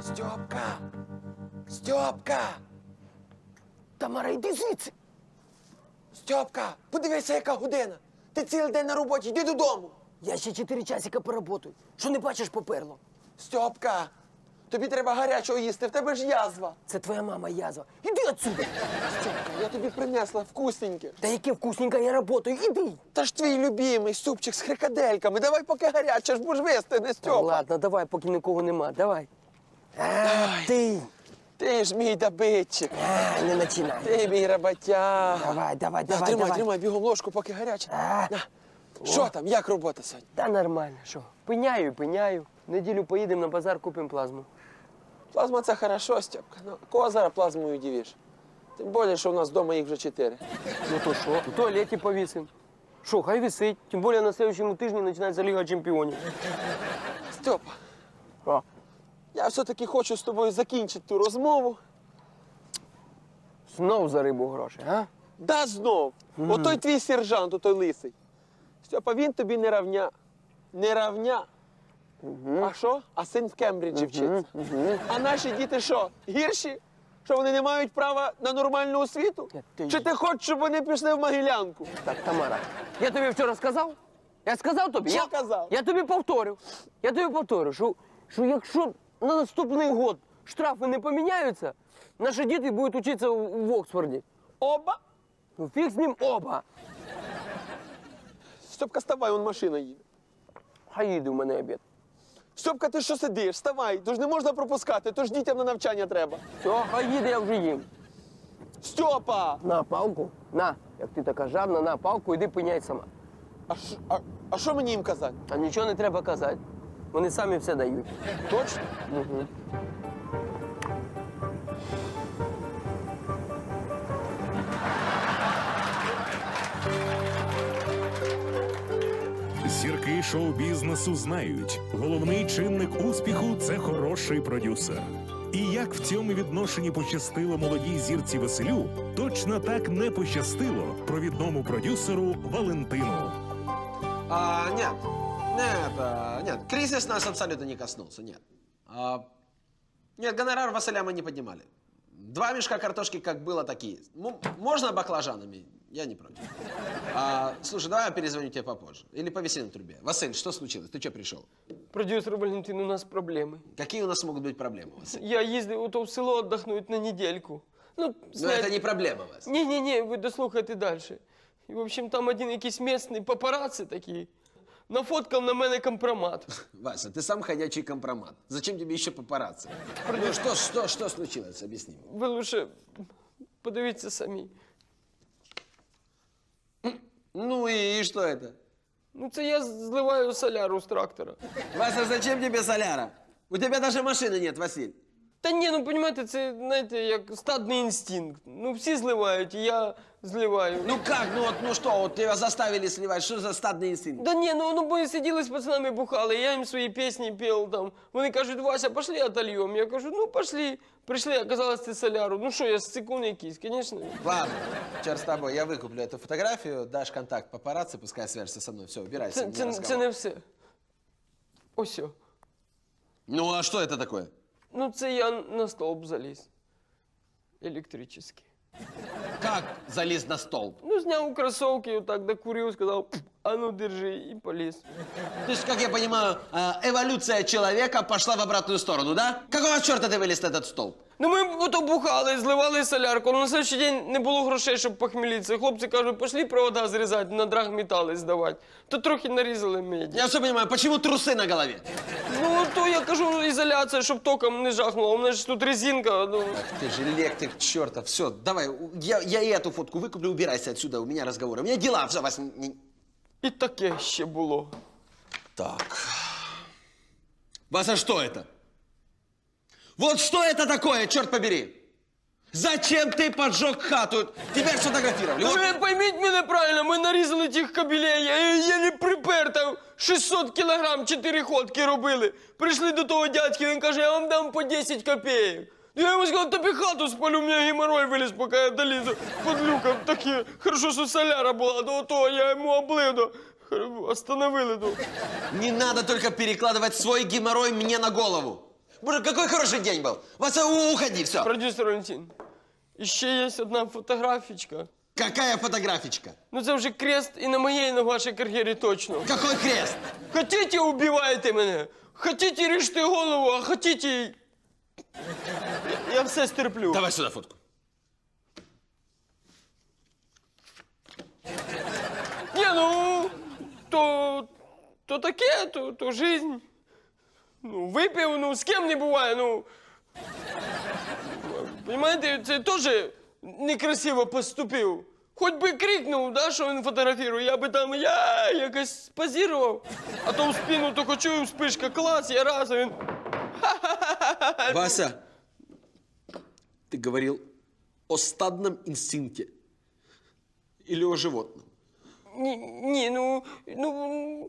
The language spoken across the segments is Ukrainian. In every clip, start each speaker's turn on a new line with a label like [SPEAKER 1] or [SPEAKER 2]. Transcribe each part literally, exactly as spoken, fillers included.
[SPEAKER 1] Стьопка! Стьопка!
[SPEAKER 2] Тамара, йди звідси.
[SPEAKER 1] Стьопка! Подивися, яка година! Ти цілий день на роботі, йди додому!
[SPEAKER 2] Я ще чотири часика поработаю. Що не бачиш, поперло?
[SPEAKER 1] Стьопка! Тобі треба гарячого їсти, в тебе ж язва!
[SPEAKER 2] Це твоя мама язва. Іди отсюда.
[SPEAKER 1] Стьопка, я тобі принесла вкусненьке.
[SPEAKER 2] Та яке вкусненько, я работаю. Іди.
[SPEAKER 1] Та ж твій любимий супчик з хрикадельками. Давай поки гаряче, ж будеш вистигне, Стьопа.
[SPEAKER 2] Ладно, давай, поки нікого нема, давай. А, ти.
[SPEAKER 1] Ти ж мій добитчик.
[SPEAKER 2] А, не починай.
[SPEAKER 1] Ти мій роботяг.
[SPEAKER 2] Давай, давай,
[SPEAKER 1] На,
[SPEAKER 2] давай,
[SPEAKER 1] тримай,
[SPEAKER 2] давай.
[SPEAKER 1] тримай, бігом ложку, поки гаряче.
[SPEAKER 2] А.
[SPEAKER 1] На. Що там, як робота сьогодні?
[SPEAKER 2] Та нормально, що? Пиняю, і пиняю. Неділю поїдемо на базар, купимо плазму.
[SPEAKER 1] Плазма це хорошо, Стьопка. Ну, кого зараз плазмою удивиш? Тим більше, що у нас вдома їх вже чотири.
[SPEAKER 2] Ну то що? В туалеті повісимо. Що, хай висить. Тим більше на наступному тижні починається Ліга Чемпіонів.
[SPEAKER 1] Стьопа,
[SPEAKER 2] О.
[SPEAKER 1] я все-таки хочу з тобою закінчити ту розмову.
[SPEAKER 2] Знов за рибу гроші, а?
[SPEAKER 1] Да знов. Mm. Отой твій сержант, отой лисий. Стьопа, він тобі не равня. Не равня.
[SPEAKER 2] Угу.
[SPEAKER 1] А що? А син в Кембриджі вчиться.
[SPEAKER 2] Угу.
[SPEAKER 1] А наші діти що? Гірші? Що вони не мають права на нормальну освіту?
[SPEAKER 2] Ні, ти-
[SPEAKER 1] Чи ти хочеш, щоб вони пішли в Могилянку?
[SPEAKER 2] Так, Тамара, я тобі вчора сказав? Я сказав тобі?
[SPEAKER 1] Що
[SPEAKER 2] я,
[SPEAKER 1] казав?
[SPEAKER 2] Я тобі повторю. Я тобі повторю, що, що якщо на наступний год штрафи не поміняються, наші діти будуть вчитися в, в Оксфорді.
[SPEAKER 1] Оба?
[SPEAKER 2] Ну, фіг з ним оба.
[SPEAKER 1] Стьопка, вставай, вон машина їде.
[SPEAKER 2] Хай їде в мене обід.
[SPEAKER 1] Стьопка, ти що сидиш? Вставай, то ж не можна пропускати, то ж дітям на навчання треба.
[SPEAKER 2] Все, хай їде, я вже їм.
[SPEAKER 1] Стьопа!
[SPEAKER 2] На палку, на, як ти така жадна, на палку, іди пиняй сама.
[SPEAKER 1] А що а, а що мені їм казати?
[SPEAKER 2] А нічого не треба казати. Вони самі все дають.
[SPEAKER 1] Точно?
[SPEAKER 2] Угу.
[SPEAKER 3] Зірки шоу-бізнесу знають, головний чинник успіху – це хороший продюсер. І як в цьому відношенні пощастило молодій зірці Василю, точно так не пощастило провідному продюсеру Валентину.
[SPEAKER 4] А, нет, нет, а, нет, кризис нас абсолютно не коснулся, нет. А, нет, гонорар Василя мы не поднимали. Два мешка картошки как было, так и есть. М- можно баклажанами? Я не против. А, слушай, давай я перезвоню тебе попозже. Или повиси на трубе. Василь, что случилось? Ты что пришел?
[SPEAKER 2] Продюсер Валентин, у нас проблеми.
[SPEAKER 4] Какие у нас могут быть проблемы, Василь?
[SPEAKER 2] Я їздив ото в село віддохнути на недельку. Ну,
[SPEAKER 4] Но
[SPEAKER 2] знаєте-
[SPEAKER 4] это не проблема, Вася.
[SPEAKER 2] Ні-ні-ні, ви дослухайте далі. І, в общем, там один якийсь місцевий папараці такий нафоткав на мене компромат.
[SPEAKER 4] Вася, ты сам ходячий компромат. Зачем тебе еще папарацци? Ну что, что, что случилось? Объясни мне.
[SPEAKER 2] Ви лише подивіться самі.
[SPEAKER 4] Ну и, и что это?
[SPEAKER 2] Ну, це я зливаю соляру з трактора.
[SPEAKER 4] Вася, зачем тебе соляра? У тебя даже машины нет, Василь.
[SPEAKER 2] Та ні, ну, розумієте, це, знаєте, як стадний інстинкт. Ну, всі зливають, і я зливаю.
[SPEAKER 4] Ну как, ну вот, ну что, вот тебя заставили сливать, что за стадный инстинкт?
[SPEAKER 2] Да ні, ну, ну бо сиділи з пацанами бухали, я їм свої пісні пів там. Вони кажуть, Вася, пошли отольем. Я кажу, ну пошли. Прийшли, оказалось, це соляру. Ну що, я сцикун якийсь, звісно.
[SPEAKER 4] Ладно, черт с тобой, я выкуплю эту фотографию, дашь контакт папарацци, пускай свяжется со мной. Все, убирайся,
[SPEAKER 2] Це,
[SPEAKER 4] у меня
[SPEAKER 2] це,
[SPEAKER 4] разговор.
[SPEAKER 2] це не все. Ось о.
[SPEAKER 4] Ну а что это такое?
[SPEAKER 2] Ну, це я на стовп заліз. Електричний.
[SPEAKER 4] Как залез на столб?
[SPEAKER 2] Ну, зняв кросовки, отак докурив, сказав, а ну держи, і поліз.
[SPEAKER 4] То есть, как я понимаю, э, эволюция человека пошла в обратную сторону, да? Какого черта ты вылез на этот столб?
[SPEAKER 2] Ну, ми ото бухали, зливали солярку, але на следующий день не було грошей, щоб похмелитися. Хлопці кажуть, пошли провода зрізати, на драгметали здавати. То трохи нарізали меді.
[SPEAKER 4] Я все понимаю, почему трусы на голове?
[SPEAKER 2] Ну, то я кажу, ізоляція, щоб током не жахнуло. У мене ж тут резинка, ну...
[SPEAKER 4] Ах ты же электрик, черта. Все, давай, у- я, я и эту фотку выкуплю, убирайся отсюда, у меня разговоры. У меня дела, все, вас... не-
[SPEAKER 2] І таке ще було.
[SPEAKER 4] Так. Вася, что это? Вот что это такое, черт побери? Зачем ты поджег хату? Тебя сфотографировали.
[SPEAKER 2] Ну,
[SPEAKER 4] Вот.
[SPEAKER 2] ви пойміть мене правильно, ми нарізали тих кабелей, я єлі припер, там шістсот кілограм, чотири ходки робили. Прийшли до того дядьки, він каже, я вам дам по десять копеек. Я йому сказав, тобі хату спалю, у мене геморрой виліз, поки я долізу під люком. Такі, хорошо, що соляра була, до того я йому облив, до... остановили. До...
[SPEAKER 4] Не надо только перекладывать свой геморрой мне на голову. Боже, какой хороший день был. Вася, у- уходи, все.
[SPEAKER 2] Продюсер Валентин, ще є одна фотографічка.
[SPEAKER 4] Какая фотографичка?
[SPEAKER 2] Ну це вже крест і на моїй, і на вашій кар'єрі точно.
[SPEAKER 4] Какой крест?
[SPEAKER 2] Хотите, убивайте мене. Хотите, ріжте голову, а хотите... Я, я все стерплю.
[SPEAKER 4] Давай сюда фотку.
[SPEAKER 2] Ні, ну, то, то таке, то, то жизнь. Ну, випив, ну, з ким не буває, ну. Понимаєте, це теж некрасиво поступив. Хоч би крикнув, да, що він фотографірує, я би там, я якось позірував. А то в спину тільки чую, вспишка, клас, я раз, а він...
[SPEAKER 4] Вася, ты говорил о стадном инстинкте или о животном?
[SPEAKER 2] Ні, ні, ну, ну,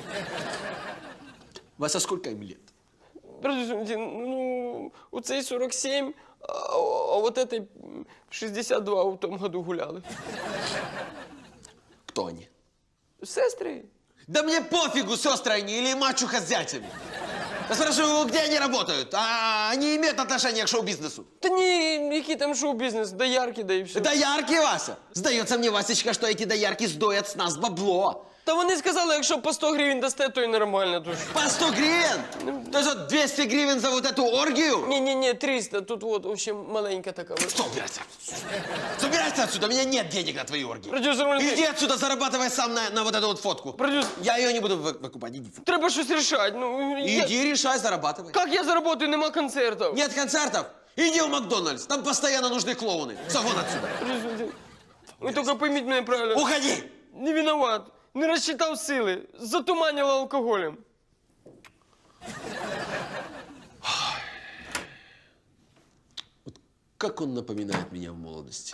[SPEAKER 4] Вася, сколько им лет?
[SPEAKER 2] Подождите, ну, у цей сорок сім, а, а вот этой шістдесят два в тому году гуляли.
[SPEAKER 4] Кто они?
[SPEAKER 2] Сестри.
[SPEAKER 4] Да мне пофигу, сестры они или мачуха с зятями. Я спрашиваю, где они работают? А они имеют отношение к шоу-бизнесу?
[SPEAKER 2] Та ні, який там шоу-бізнес, доярки, да і все.
[SPEAKER 4] Доярки, Вася! Сдается мне, Васечка, что эти доярки сдоят с нас бабло.
[SPEAKER 2] Та вони сказали, якщо по сто гривень дасте, то і нормально. То ж.
[SPEAKER 4] По сто гривен? То есть вот двести гривен за вот эту оргию?
[SPEAKER 2] Ні-ні-ні, триста, тут вот, в общем, маленька така. от.
[SPEAKER 4] Что, убирайся? Убирайся отсюда, у меня нет денег на твои оргии.
[SPEAKER 2] Продюсер Валентин,
[SPEAKER 4] Иди отсюда, зарабатывай сам на, на вот эту вот фотку.
[SPEAKER 2] продюсер,
[SPEAKER 4] Я ее не буду вы- выкупать, иди.
[SPEAKER 2] треба щось рішати. Ну, я...
[SPEAKER 4] Иди, решай, зарабатывай.
[SPEAKER 2] Як я заработаю, нема концертів?
[SPEAKER 4] Нет концертов? Иди в Макдональдс, там постоянно нужны клоуны. Все, вон отсюда.
[SPEAKER 2] Продюсер Валентин, ви тільки пойміть мене правильно.
[SPEAKER 4] Уходи!
[SPEAKER 2] Не виноват. Не розчитав сили. Затуманив алкоголем.
[SPEAKER 4] Как он напоминает меня в молодости.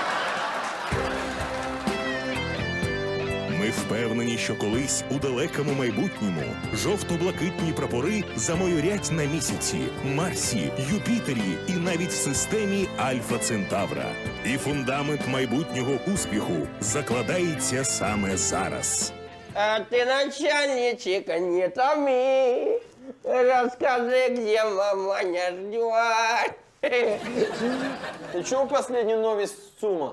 [SPEAKER 3] Ми впевнені, що колись у далекому майбутньому жовто-блакитні прапори замайорять на місяці, Марсі, Юпітері і навіть в системі Альфа Центавра. І фундамент майбутнього успіху закладається саме зараз.
[SPEAKER 2] А ты, начальничек, не томи. Расскажи, где маманя ждет.
[SPEAKER 1] Ти чув останню новість з ЦУМа?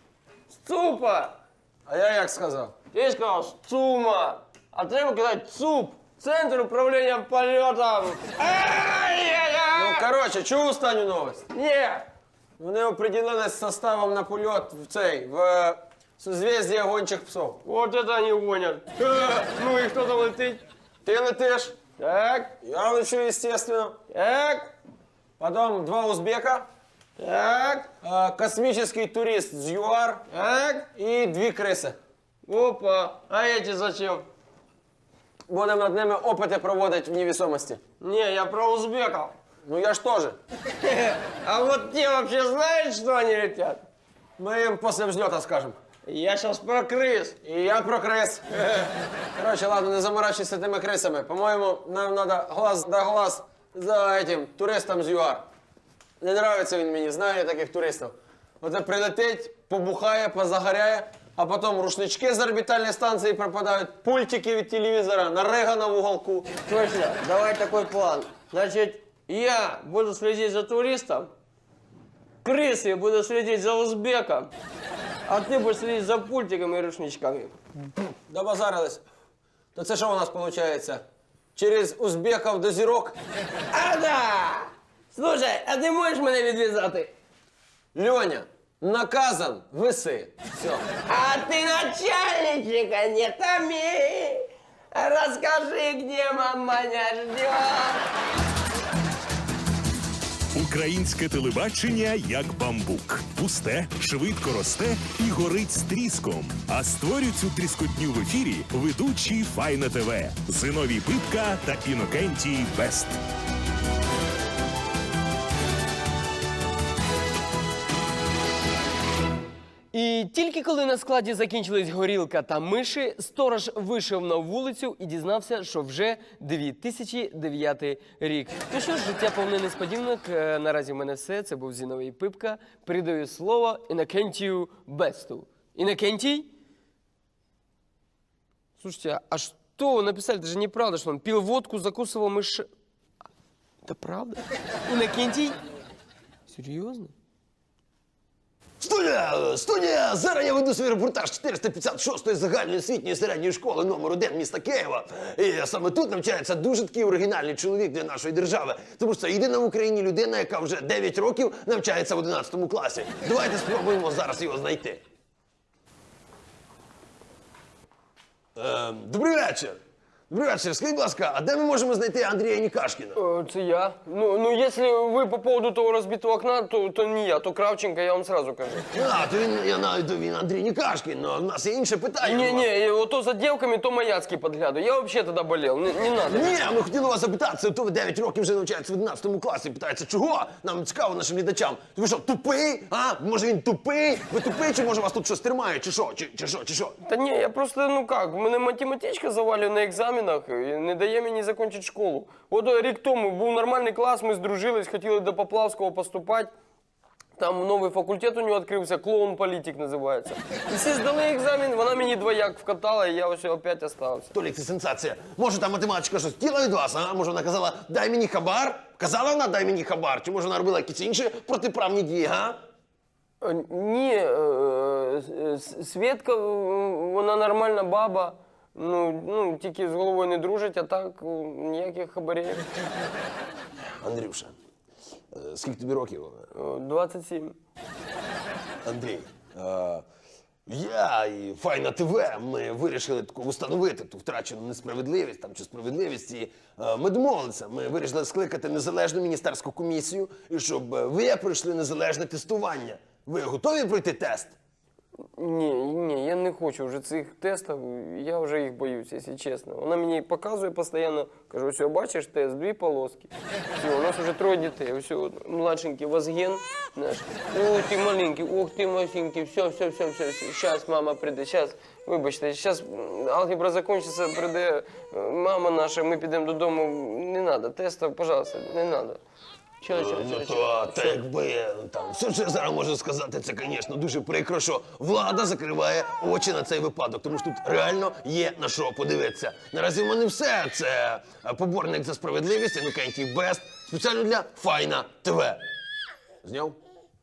[SPEAKER 2] Цупа.
[SPEAKER 1] А я як сказав?
[SPEAKER 2] Ти сказав ЦУМа. А треба казати ЦУП. Центр управління польотом.
[SPEAKER 1] Ну, коротше, чув останню новість?
[SPEAKER 2] Ні.
[SPEAKER 1] Вони определились составом на польот в цей, в е, созвездие гончих псов.
[SPEAKER 2] Вот это они гонят. Ну и кто там летить?
[SPEAKER 1] Ти летиш,
[SPEAKER 2] Так,
[SPEAKER 1] я лечу, естественно.
[SPEAKER 2] так,
[SPEAKER 1] Потом два узбека,
[SPEAKER 2] так,
[SPEAKER 1] е, космический турист з ЮАР
[SPEAKER 2] так.
[SPEAKER 1] і дві криси.
[SPEAKER 2] Опа, а эти зачем?
[SPEAKER 1] Будемо над ними опити проводити в невесомості.
[SPEAKER 2] Не, я про узбеков.
[SPEAKER 1] Ну я ж теж.
[SPEAKER 2] А вот те вообще знают, что они летят?
[SPEAKER 1] Ми їм після взльоту скажемо.
[SPEAKER 2] Я сейчас про крыс.
[SPEAKER 1] І я про крис. Коротше, ладно, не заморачуйся тими крисами. По-моєму, нам треба глаз да глаз за этим туристом з ЮАР. Не нравиться він мені, знаю я таких туристів. Оце прилетить, побухає, позагоряє, а потім рушнички з орбітальної станції пропадають, пультики від телевізора, наригана в уголку.
[SPEAKER 2] Точно, давай такой план. Значит, я буду следить за туристом, крысы буду следить за узбеком, а ты будешь следить за пультиками и рушничками.
[SPEAKER 1] Добазарились. То це що у нас виходить? Через узбеків до зірок?
[SPEAKER 2] А да! Слушай, а ти можеш мене відв'язати?
[SPEAKER 1] Льоня, наказан, виси. Все.
[SPEAKER 2] А ти начальничека не томи! Расскажи, где маманя ждет!
[SPEAKER 3] Українське телебачення як бамбук. Пусте, швидко росте і горить з тріском. А створюють цю тріскотню в ефірі ведучі Файна ТВ. Зиновій Пипка та Інокентій Бест.
[SPEAKER 2] І тільки коли на складі закінчились горілка та миші, сторож вийшов на вулицю і дізнався, що вже дві тисячі дев'ятий рік. Ну що ж, життя повне несподіванок. Е, Наразі в мене все. Це був Зіновій Пипка. Передаю слово Інокентію Бесту. Иннокентий? Слушайте, а что вы написали? Это же неправда, что он пил водку, закусывал мышь... Та правда? Інокентій? Серйозно?
[SPEAKER 1] Студія! Студія! Зараз я веду свій репортаж чотириста п'ятдесят шостої загальноосвітньої середньої школи номер один міста Києва. І саме тут навчається дуже такий оригінальний чоловік для нашої держави. Тому що це єдина в Україні людина, яка вже дев'ять років навчається в одинадцятому класі. Давайте спробуємо зараз його знайти. Ем, добрий вечір! Добрий вечір. Скажіть, будь ласка, а де ми можемо знайти Андрія Нікашкіна?
[SPEAKER 2] Е, Це я. Ну, ну, якщо ви по поводу того розбитого окна, то, то не я, то Кравченко, я вам сразу кажу.
[SPEAKER 1] А, то він, я знаю, то він Андрій Нікашкін, але в нас є інше питання.
[SPEAKER 2] Не, не, ото за девками, то Маяцький подглядываю. Я вообще тогда болел, не, не надо.
[SPEAKER 1] Ні, ми хотіли вас запитатися, то ви дев'ять років вже навчаєтеся в одинадцятому класі. Питається, чого? Нам цікаво нашим глядачам. Ви що, тупий? А? Може він тупий? Ви тупий, чи може вас тут щось тримає? Чи що? Чи, чи що? Чи що?
[SPEAKER 2] Та ні, я просто, ну как, мене математичка завалює на екзаменах і не дає мені закінчити школу. От рік тому був нормальний клас, ми здружились, хотіли до Поплавського поступати. Там новий факультет у нього відкрився, клоун-політик називається. І всі здали екзамен, вона мені двояк вкатала, і я ось опять остався.
[SPEAKER 1] Толік, це сенсація. Може там математичка щось хотіла від вас, а? Може вона казала, дай мені хабар? Казала вона, дай мені хабар? Чи може вона робила якісь інші протиправні дії, га?
[SPEAKER 2] Е, Ні, е, е, С- Свєтка, е, вона нормальна баба, ну, ну, тільки з головою не дружить, а так е, ніяких хабарів.
[SPEAKER 1] Андрюша, е, скільки тобі років?
[SPEAKER 2] Е, двадцять сім.
[SPEAKER 1] Андрій, е, я і Файна ТВ, ми вирішили таку встановити ту втрачену несправедливість там, чи справедливість. І е, ми домовилися, ми вирішили скликати незалежну міністерську комісію, і щоб е, ви пройшли незалежне тестування. Ви готові пройти тест?
[SPEAKER 2] Ні, ні, я не хочу вже цих тестів, я вже їх боюсь, якщо чесно. Вона мені показує постійно, каже, ось бачиш тест, дві полоски. Все, у нас вже троє дітей, ось младшенький Вазген наш. Ой, ти маленький, ох ти масенький, все, все, все, все, все. Щас мама прийде, щас, вибачте, щас алгебра закінчиться, прийде е, мама наша, ми підемо додому. Не треба, тестів, пожалуйста, не треба. Чого, чого,
[SPEAKER 1] Ну
[SPEAKER 2] чого,
[SPEAKER 1] то,
[SPEAKER 2] чого?
[SPEAKER 1] та якби, там, все, що я зараз можу сказати, це, звісно, дуже прикро, що влада закриває очі на цей випадок, тому що тут реально є на що подивитися. Наразі в мене все. Це е, поборник за справедливість, Інокентій Бест, спеціально для Файна ТВ. Зняв?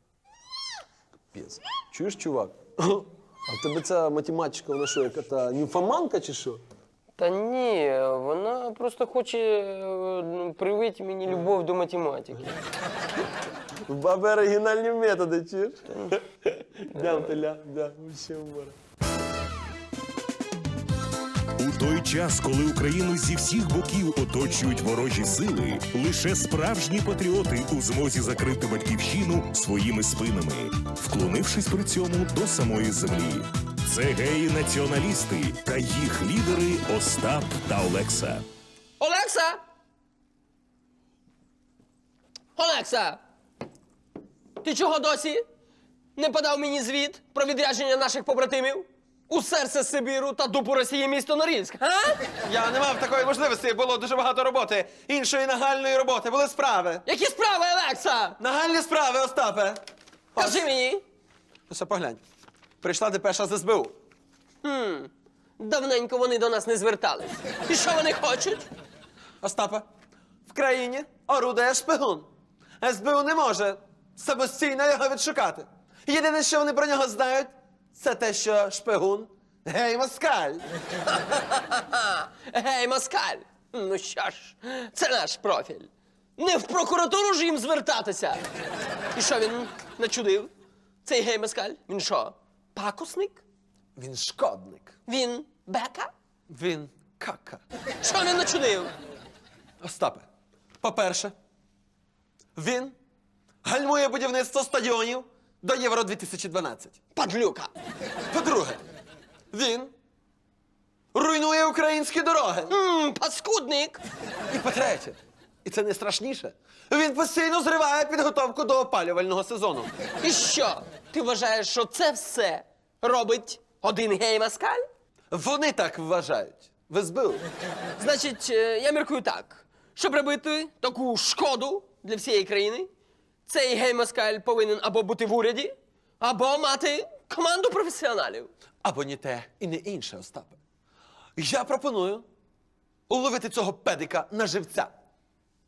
[SPEAKER 1] Капець. Чуєш, чувак? А в тебе ця математичка, вона що, яка-то німфоманка чи що?
[SPEAKER 2] Та ні, вона просто хоче е, ну, привити мені любов до математики.
[SPEAKER 1] В баби оригінальні методи, чуєш? Дям теля, да, вообще умора.
[SPEAKER 3] У той час, коли Україну зі всіх боків оточують ворожі сили, лише справжні патріоти у змозі закрити батьківщину своїми спинами, вклонившись при цьому до самої землі. Це геї-націоналісти та їх лідери Остап та Олекса.
[SPEAKER 2] Олекса! Олекса! Ти чого досі не подав мені звіт про відрядження наших побратимів у серце Сибіру та дупу Росії місто Норильськ, а?
[SPEAKER 4] Я не мав такої можливості, було дуже багато роботи. Іншої нагальної роботи, були справи.
[SPEAKER 2] Які справи, Олекса?
[SPEAKER 4] Нагальні справи, Остапе.
[SPEAKER 2] Кажи мені.
[SPEAKER 4] Ось поглянь. Прийшла депеша з ес бе у.
[SPEAKER 2] Хм, давненько вони до нас не звертались. І що вони хочуть?
[SPEAKER 4] Остапе, в країні орудує шпигун. ес бе у не може самостійно його відшукати. Єдине, що вони про нього знають, це те, що шпигун – гей-москаль.
[SPEAKER 2] Гей, москаль! Ну що ж, це наш профіль. Не в прокуратуру ж їм звертатися. І що він начудив? Цей гей москаль? Він що, пакусник?
[SPEAKER 4] Він шкодник.
[SPEAKER 2] Він бека?
[SPEAKER 4] Він кака.
[SPEAKER 2] Що він начудив?
[SPEAKER 4] Остапе, по-перше, він гальмує будівництво стадіонів до Євро дві тисячі дванадцять.
[SPEAKER 2] Падлюка.
[SPEAKER 4] По-друге, він руйнує українські дороги.
[SPEAKER 2] Ммм, паскудник.
[SPEAKER 4] І по-третє, і це найстрашніше, він постійно зриває підготовку до опалювального сезону.
[SPEAKER 2] І що? Ти вважаєш, що це все робить один гей москаль?
[SPEAKER 4] Вони так вважають. В ес бе у.
[SPEAKER 2] Значить, е, я міркую так. Щоб робити таку шкоду для всієї країни, цей гей-москаль повинен або бути в уряді, або мати команду професіоналів.
[SPEAKER 4] Або ні те і не інше, Остапе. Я пропоную уловити цього педика на живця.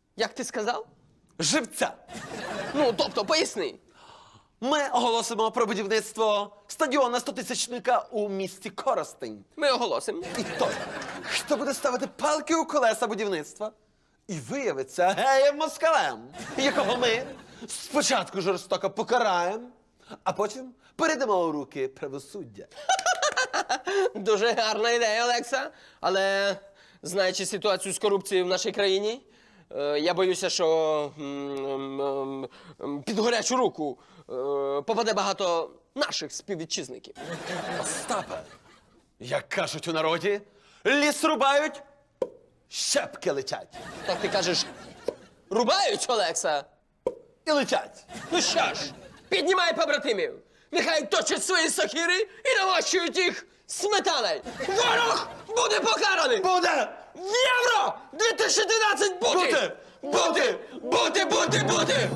[SPEAKER 2] Як ти сказав?
[SPEAKER 5] Живця.
[SPEAKER 2] Ну, тобто, поясни.
[SPEAKER 5] Ми оголосимо про будівництво стадіона стотисячника у місті Коростень.
[SPEAKER 2] Ми оголосимо.
[SPEAKER 5] І той, хто буде ставити палки у колеса будівництва, і виявиться геєм москалем, якого ми спочатку жорстоко покараємо, а потім передамо у руки правосуддя.
[SPEAKER 2] Дуже гарна ідея, Олекса. Але, знаючи ситуацію з корупцією в нашій країні, е, я боюся, що м, м, м, під гарячу руку е, попаде багато наших співвітчизників.
[SPEAKER 5] Остапе, як кажуть у народі, ліс рубають, щепки летять.
[SPEAKER 2] Так ти кажеш, рубають, Олекса?
[SPEAKER 5] І летять.
[SPEAKER 2] Ну що ж, піднімай побратимів. Нехай точать свої сокири і намащують їх сметаною. Ворог буде покараний!
[SPEAKER 5] Буде!
[SPEAKER 2] В Євро дві тисячі тринадцять бути!
[SPEAKER 5] Бути!
[SPEAKER 2] Бути! Бути! Бути! Бути!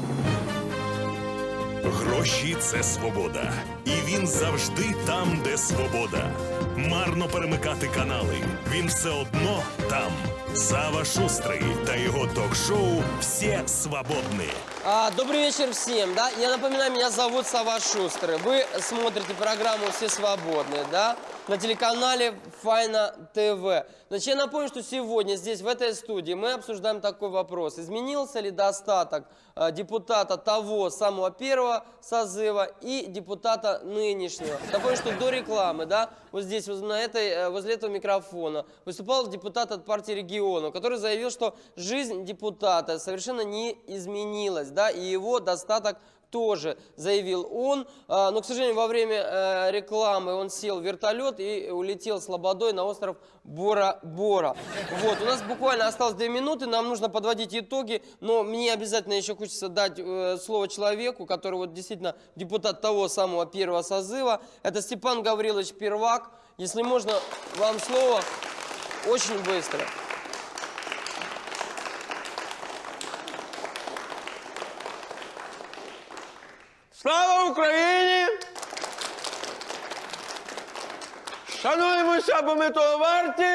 [SPEAKER 3] Гроші це свобода. І він завжди там, де свобода. Марно перемикати канали. Він все одно там. Сава Шустрий та його ток-шоу «Все свободны».
[SPEAKER 2] А, добрый вечер всем, да? Я напоминаю, меня зовут Сава Шустрый. Вы смотрите программу «Все свободные», да? На телеканале Файна ТВ. Значит, я напомню, что сегодня здесь, в этой студии, мы обсуждаем такой вопрос. Изменился ли достаток э, депутата того самого первого созыва и депутата нынешнего? Напомню, что до рекламы, да, вот здесь, вот на этой, э, возле этого микрофона выступал депутат от партии регионов, который заявил, что жизнь депутата совершенно не изменилась, да, и его достаток тоже, заявил он. А, но, к сожалению, во время э, рекламы он сел в вертолет и улетел с лободой на остров Бора-Бора. Вот, у нас буквально осталось две минуты, нам нужно подводить итоги, но мне обязательно еще хочется дать э, слово человеку, который вот действительно депутат того самого первого созыва. Это Степан Гаврилович Первак. Если можно, вам слово очень быстро.
[SPEAKER 1] Слава Україні! Шануємося, бо ми того варті.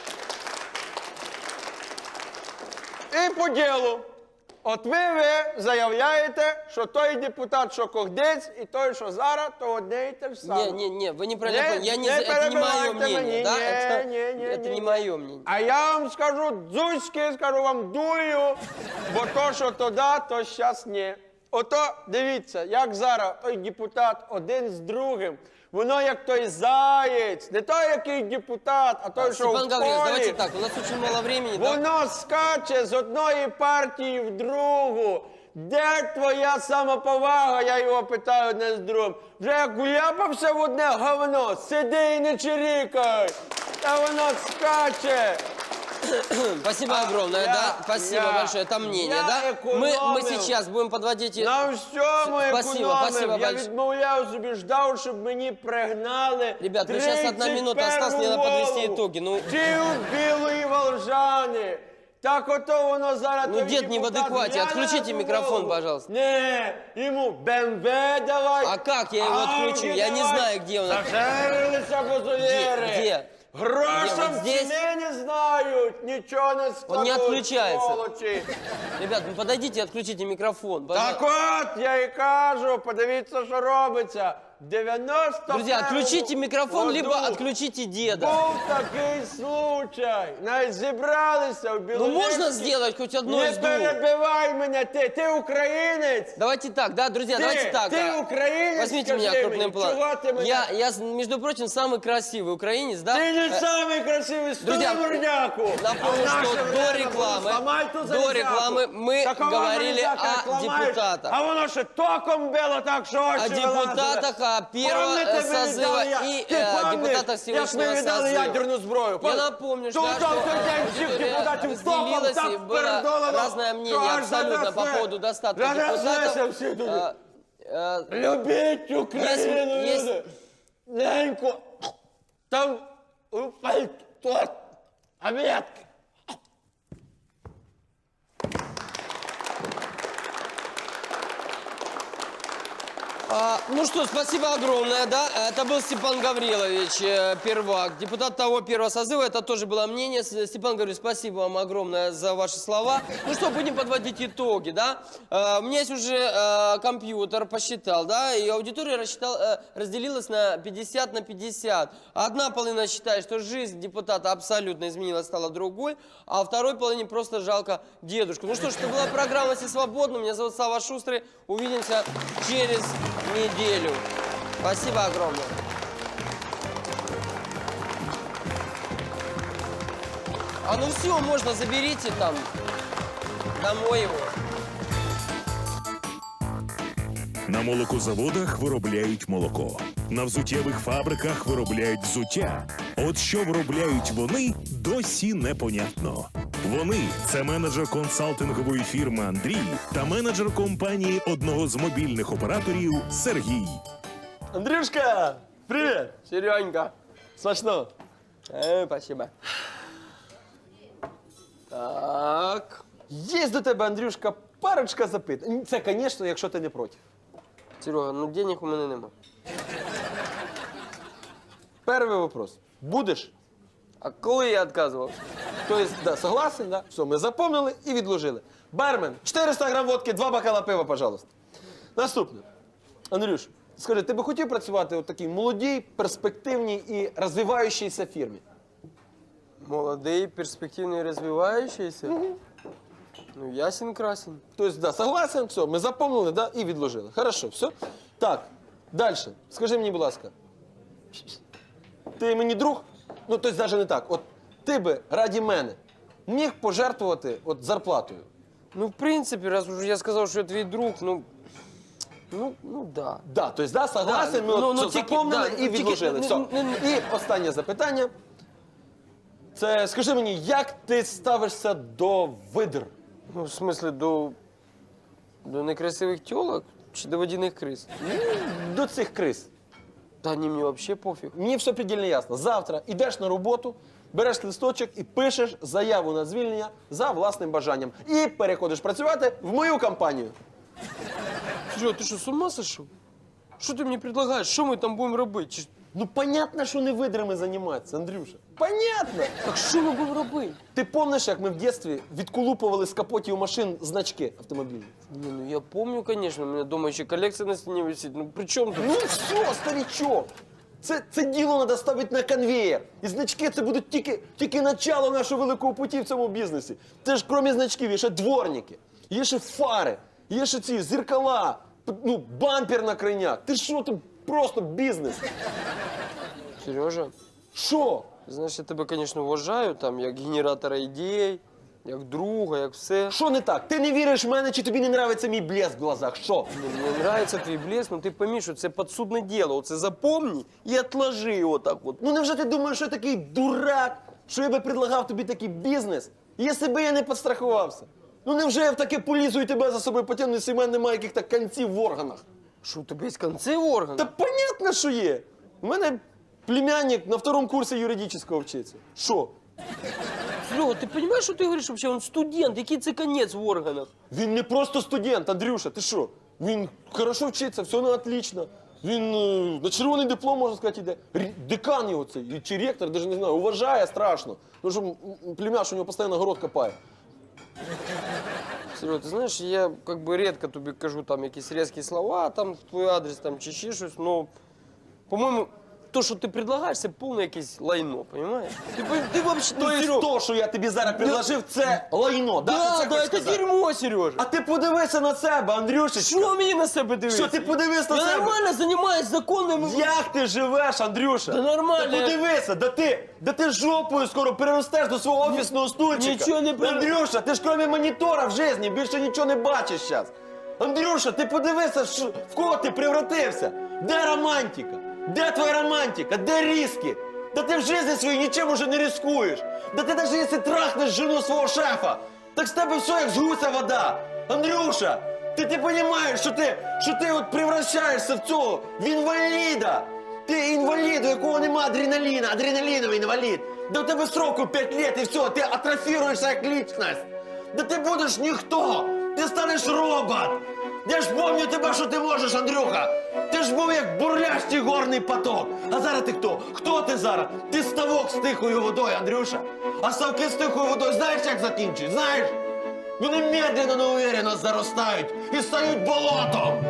[SPEAKER 1] І по ділу. От ви, ви заявляєте, що той депутат, що когдець, і той, що зараз, то одне і те ж саме.
[SPEAKER 2] Не, не, не, вы неправильно
[SPEAKER 1] Не,
[SPEAKER 2] поняли. Я не,
[SPEAKER 1] не
[SPEAKER 2] за- это не мое
[SPEAKER 1] перебивайте
[SPEAKER 2] мнение,
[SPEAKER 1] мені,
[SPEAKER 2] да?
[SPEAKER 1] ні,
[SPEAKER 2] это
[SPEAKER 1] ні, ні,
[SPEAKER 2] это
[SPEAKER 1] ні,
[SPEAKER 2] не
[SPEAKER 1] ні.
[SPEAKER 2] мое мнение.
[SPEAKER 1] А я вам скажу дзузьки, скажу вам дую, бо то, що то да, то щас ні. Ото, дивіться, як зараз той депутат один з другим, воно як той заєць, не той, який депутат, а той, що в
[SPEAKER 2] Степан Гаврилович,
[SPEAKER 1] полі.
[SPEAKER 2] давайте так, у нас очень мало времени. да?
[SPEAKER 1] Воно скаче з одної партії в другу. Де твоя самоповага, я його питаю одне з другим. Вже як уляпався в одне говно, сиди і не чирікай. Та воно скаче.
[SPEAKER 2] Спасибо огромное,
[SPEAKER 1] я-
[SPEAKER 2] да? Спасибо
[SPEAKER 1] я-
[SPEAKER 2] большое, это мнение,
[SPEAKER 1] я
[SPEAKER 2] да? Мы, мы
[SPEAKER 1] экономил.
[SPEAKER 2] сейчас будем подводить... и-
[SPEAKER 1] На всьому
[SPEAKER 2] Спасибо,
[SPEAKER 1] економив.
[SPEAKER 2] спасибо
[SPEAKER 1] Я
[SPEAKER 2] больш-
[SPEAKER 1] відмовляв собі, ждав, щоб мені пригнали.
[SPEAKER 2] Ребят, ну щас одна минута осталась, мне надо подвести итоги, ну.
[SPEAKER 1] Ті у білої волжани. Так ото воно зараз...
[SPEAKER 2] Ну,
[SPEAKER 1] той
[SPEAKER 2] дед не в
[SPEAKER 1] депутат
[SPEAKER 2] адеквате.
[SPEAKER 1] гляне
[SPEAKER 2] Отключите
[SPEAKER 1] на
[SPEAKER 2] микрофон,
[SPEAKER 1] голову.
[SPEAKER 2] пожалуйста.
[SPEAKER 1] Не, йому БМВ давай.
[SPEAKER 2] А как я его отключу?
[SPEAKER 1] Ауди
[SPEAKER 2] Я не
[SPEAKER 1] давай.
[SPEAKER 2] знаю, где он.
[SPEAKER 1] Зажарилися козоєри.
[SPEAKER 2] Где? Где?
[SPEAKER 1] Грошам
[SPEAKER 2] Где? Вот здесь?
[SPEAKER 1] ціни не знають, нічого не складуть.
[SPEAKER 2] Он не отключается.
[SPEAKER 1] сволочі.
[SPEAKER 2] Ребят, ну подойдите и отключите микрофон.
[SPEAKER 1] Так
[SPEAKER 2] пожалуйста.
[SPEAKER 1] от, я і кажу, подивіться, що робиться. дев'яносто
[SPEAKER 2] Друзья, отключите микрофон,
[SPEAKER 1] году
[SPEAKER 2] либо отключите деда.
[SPEAKER 1] Був такий случай. Навіть зібралися в
[SPEAKER 2] Ну
[SPEAKER 1] Білорусі.
[SPEAKER 2] можно сделать хоть одно
[SPEAKER 1] Не
[SPEAKER 2] из двух?
[SPEAKER 1] перебивай мене, ти, ти українець.
[SPEAKER 2] Давайте так, да, друзья,
[SPEAKER 1] Ты-
[SPEAKER 2] давайте так.
[SPEAKER 1] ты
[SPEAKER 2] а,
[SPEAKER 1] украинец,
[SPEAKER 2] Возьмите
[SPEAKER 1] скажи
[SPEAKER 2] меня крупным
[SPEAKER 1] мне,
[SPEAKER 2] планом.
[SPEAKER 1] чего ты меня-
[SPEAKER 2] Я, я, между прочим, самый красивый украинец, да?
[SPEAKER 1] Ти не
[SPEAKER 2] Э,
[SPEAKER 1] самий красивий, стой
[SPEAKER 2] друзья,
[SPEAKER 1] морняку.
[SPEAKER 2] напомню,
[SPEAKER 1] А в
[SPEAKER 2] что
[SPEAKER 1] наше
[SPEAKER 2] до
[SPEAKER 1] время
[SPEAKER 2] рекламы-
[SPEAKER 1] було, «Сломай ту
[SPEAKER 2] до
[SPEAKER 1] залізяку».
[SPEAKER 2] рекламы мы
[SPEAKER 1] Такого
[SPEAKER 2] говорили
[SPEAKER 1] залізяка, як
[SPEAKER 2] о
[SPEAKER 1] ламаєш,
[SPEAKER 2] депутатах.
[SPEAKER 1] А воно ще током било так, що очі
[SPEAKER 2] О депутатах,
[SPEAKER 1] вилазили.
[SPEAKER 2] о первого
[SPEAKER 1] Помните,
[SPEAKER 2] э,
[SPEAKER 1] ми
[SPEAKER 2] созыва
[SPEAKER 1] віддали я-
[SPEAKER 2] и
[SPEAKER 1] Ти
[SPEAKER 2] э,
[SPEAKER 1] помниш,
[SPEAKER 2] депутатах
[SPEAKER 1] як ми
[SPEAKER 2] сегодняшнего
[SPEAKER 1] віддали
[SPEAKER 2] созыва.
[SPEAKER 1] ядерну зброю?
[SPEAKER 2] Я напомню, что,
[SPEAKER 1] Тут
[SPEAKER 2] да,
[SPEAKER 1] там
[SPEAKER 2] что
[SPEAKER 1] той день всіх
[SPEAKER 2] аудитория
[SPEAKER 1] депутатів током
[SPEAKER 2] разделилась,
[SPEAKER 1] так
[SPEAKER 2] и было
[SPEAKER 1] передолено,
[SPEAKER 2] разное мнение
[SPEAKER 1] що аж
[SPEAKER 2] абсолютно по
[SPEAKER 1] затрясе.
[SPEAKER 2] поводу достатка
[SPEAKER 1] Затряслися
[SPEAKER 2] депутатов.
[SPEAKER 1] всі туди.
[SPEAKER 2] Э, э,
[SPEAKER 1] Любіть Україну,
[SPEAKER 2] Є-
[SPEAKER 1] люди! Ненько! Там упасть торт, обідки!
[SPEAKER 2] А, ну что, спасибо огромное, да? Это был Степан Гаврилович, э, первак, депутат того первого созыва. Это тоже было мнение. С- Степан Гаврилович, спасибо вам огромное за ваши слова. Ну что, будем подводить итоги, да? Э, у меня есть уже э, компьютер, посчитал, да? И аудитория рассчитал, э, разделилась на пятьдесят на пятьдесят. Одна половина считает, что жизнь депутата абсолютно изменилась, стала другой, а второй половине просто жалко дедушку. Ну что ж, это была программа «Все свободны». Меня зовут Сава Шустрый. Увидимся через неделю. Спасибо огромное. А ну все, можно, заберите там домой его.
[SPEAKER 3] На молокозаводах виробляють молоко. На взуттєвих фабриках виробляють взуття. От що виробляють вони, досі непонятно. Вони – це менеджер консалтингової фірми Андрій та менеджер компанії одного з мобільних операторів Сергій.
[SPEAKER 5] Андрюшка, привіт!
[SPEAKER 2] Серенька.
[SPEAKER 5] Смачно.
[SPEAKER 2] Э, спасибо. Так.
[SPEAKER 5] Є до тебе, Андрюшка, парочка запитань. Це, звісно, якщо ти не проти.
[SPEAKER 2] Серега, ну денег у мене нема.
[SPEAKER 5] Перший вопрос. Будеш?
[SPEAKER 2] А коли я відказував?
[SPEAKER 5] Тобто, да, согласен, да? Все, ми запомнили і відложили. Бармен, чотириста грам водки, два бокала пива, пожалуйста. Наступне. Андрюш, скажи, ти би хотів працювати у такій молодій, перспективній і розвиваючійся фірмі?
[SPEAKER 2] Молодий, перспективний, розвиваючийся. Ну, ясен красен.
[SPEAKER 5] Тобто, да, согласен, все, ми запомнили, да, і відложили. Хорошо, все. Так, далі. Скажи мені, будь ласка, ти мені друг? Ну, тобто, навіть не так. От ти би раді мене міг пожертвувати от зарплатою?
[SPEAKER 2] Ну, в принципі, раз уже я сказав, що я твій друг, ну, ну, ну, да.
[SPEAKER 5] Да, тобто, да, согласен,
[SPEAKER 2] Да,
[SPEAKER 5] ми
[SPEAKER 2] ну,
[SPEAKER 5] от
[SPEAKER 2] ну,
[SPEAKER 5] все
[SPEAKER 2] тільки-
[SPEAKER 5] запомнили
[SPEAKER 2] да,
[SPEAKER 5] і
[SPEAKER 2] тільки-
[SPEAKER 5] відложили.
[SPEAKER 2] не-
[SPEAKER 5] Все.
[SPEAKER 2] не- не-
[SPEAKER 5] І останнє запитання. Це скажи мені, як ти ставишся до видр?
[SPEAKER 2] Ну, в смислі, до, до некрасивих тілок чи до водяних криз?
[SPEAKER 5] До цих криз?
[SPEAKER 2] Та ні, мені взагалі пофіг.
[SPEAKER 5] Мені все предельно ясно. Завтра йдеш на роботу, береш листочок і пишеш заяву на звільнення за власним бажанням. І переходиш працювати в мою компанію.
[SPEAKER 2] Серега, ти що, з ума сошов? Що ти мені предлагаєш? Що ми там будемо робити? Чи-
[SPEAKER 5] Ну, понятно, що не видрами займатися, Андрюша. Понятно.
[SPEAKER 2] Так що ми будемо робити?
[SPEAKER 5] Ти пам'ятаєш, як ми в дитинстві відколупували з капотів машин значки автомобільні?
[SPEAKER 2] Не, ну я помню, конечно, у меня дома еще коллекция на стене висит. Ну при чем тут?
[SPEAKER 5] Ну все, старичок. Це, це діло треба ставити на конвеєр. І значки це будуть тільки, тільки начало нашого великого путі в цьому бізнесі. Це ж крім значків є ще дворники, є ще фари, є ще ці зеркала, п- ну, бампер на крайняк. Ти що, ти просто бізнес.
[SPEAKER 2] Сережа,
[SPEAKER 5] Що?
[SPEAKER 2] знаєш, я тебе, конечно, вважаю, там, як генератора ідей, як друга, як все.
[SPEAKER 5] Що не так? Ти не віриш в мене, чи тобі не нравиться мій блеск в глазах? Що?
[SPEAKER 2] Ну, Мені нравится твій блеск, ну ти пойми, що це підсудне діло. Оце запомни і отложи його так от.
[SPEAKER 5] Ну невже ти думаєш, що я такий дурак, що я би предлагав тобі такий бізнес, якщо би я не підстрахувався? Ну невже я в таке полізу і тебе за собою потягну, якщо в мене немає яких-то конців в органах?
[SPEAKER 2] Що, у тебе є конці в органах?
[SPEAKER 5] Та понятно, що є. У мене племянник на второму курсі юридичного вчиться. Що?
[SPEAKER 2] Серега, ти розумієш, що ти говориш вообще? Він студент, який це конець в органах?
[SPEAKER 5] Він не просто студент, Андрюша, ти що? Він хорошо вчиться, все на отлично. Він е, на червоний диплом, можна сказати, йде. Р- Декан його цей, чи ректор, навіть не знаю, уважає страшно. Тому що м, м, племяш у нього постійно город копає.
[SPEAKER 2] Серега, ти знаєш, я как бы редко тобі кажу там якісь різкі слова там в твій адрес там чи ще щось, но, по-моєму, то, що ти предлагаєш, це повне якесь лайно, понимаєш? Ти, пон- ти вообще,
[SPEAKER 5] То є то, що я тобі зараз предложив, це лайно, да? Ти
[SPEAKER 2] Да,
[SPEAKER 5] це
[SPEAKER 2] да,
[SPEAKER 5] хочеш
[SPEAKER 2] це
[SPEAKER 5] сказати?
[SPEAKER 2] дерьмо, Сережа.
[SPEAKER 5] А ти подивися на себе, Андрюшечка.
[SPEAKER 2] Що мені на себе дивитися?
[SPEAKER 5] Що ти подивись на
[SPEAKER 2] Я
[SPEAKER 5] себе?
[SPEAKER 2] нормально займаюсь законними...
[SPEAKER 5] Як ти живеш, Андрюша?
[SPEAKER 2] Та нормально.
[SPEAKER 5] Та подивися, да ти, да ти жопою скоро переростеш до свого офісного стульчика.
[SPEAKER 2] нічого не пере-
[SPEAKER 5] Андрюша, ти ж крім монітора в житті більше нічого не бачиш зараз. Андрюша, ти подивися, що, в кого ти превратився. Де романтика? Де твоя романтика? Де різки? Да ти в житті своїй нічим уже не рискуєш. Да ти навіть якщо трахнеш жену свого шефа, так з тебе все як з гуся вода. Андрюша, ти ти розумієш, що ти, що ти от превращаєшся в цього, в інваліда. Ти інвалід, у якого нема адреналіна, адреналіновий інвалід. Да у тебе сроку п'ять років і все, ти атрофіруєшся як лічність. Да ти будеш ніхто, ти станеш робот. Я ж пам'ятаю тебе, що ти можеш, Андрюха? Ти ж був як бурлящий горний поток. А зараз ти хто? Хто ти зараз? Ти ставок з тихою водою, Андрюша. А ставки з тихою водою знаєш, як закінчують? Знаєш? Вони медленно, но уверенно заростають і стають болотом.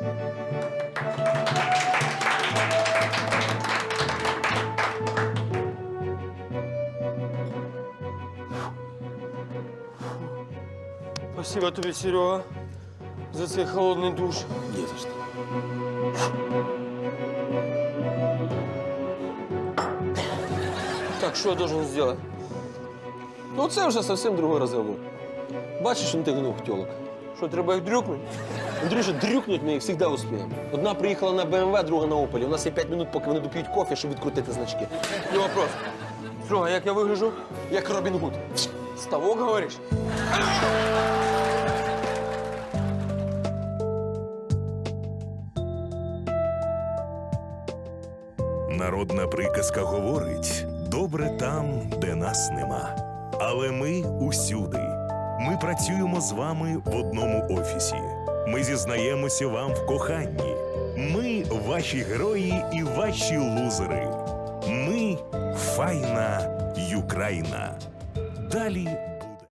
[SPEAKER 2] Спасибо тобі, Серега, за цей холодний душ.
[SPEAKER 5] Не за що.
[SPEAKER 2] Так, що я должен зробити?
[SPEAKER 1] Ну це вже зовсім другий розговор. Бачиш, він ти гнув тьолок.
[SPEAKER 2] Що, треба їх дрюкнути?
[SPEAKER 1] Андрюша, дрюкнуть ми їх завжди успіємо. Одна приїхала на Б М В, друга на Опелі. У нас є п'ять минут, поки вони доп'ють кофе, щоб відкрутити значки.
[SPEAKER 2] Не вопрос. Серега, як я вигляджу?
[SPEAKER 1] Як Робін Гуд.
[SPEAKER 2] Ставок, говориш?
[SPEAKER 3] Народна приказка говорить: добре там, де нас нема. Але ми усюди. Ми працюємо з вами в одному офісі. Ми зізнаємося вам в коханні. Ми ваші герої і ваші лузери. Ми файна Юкраїна. Далі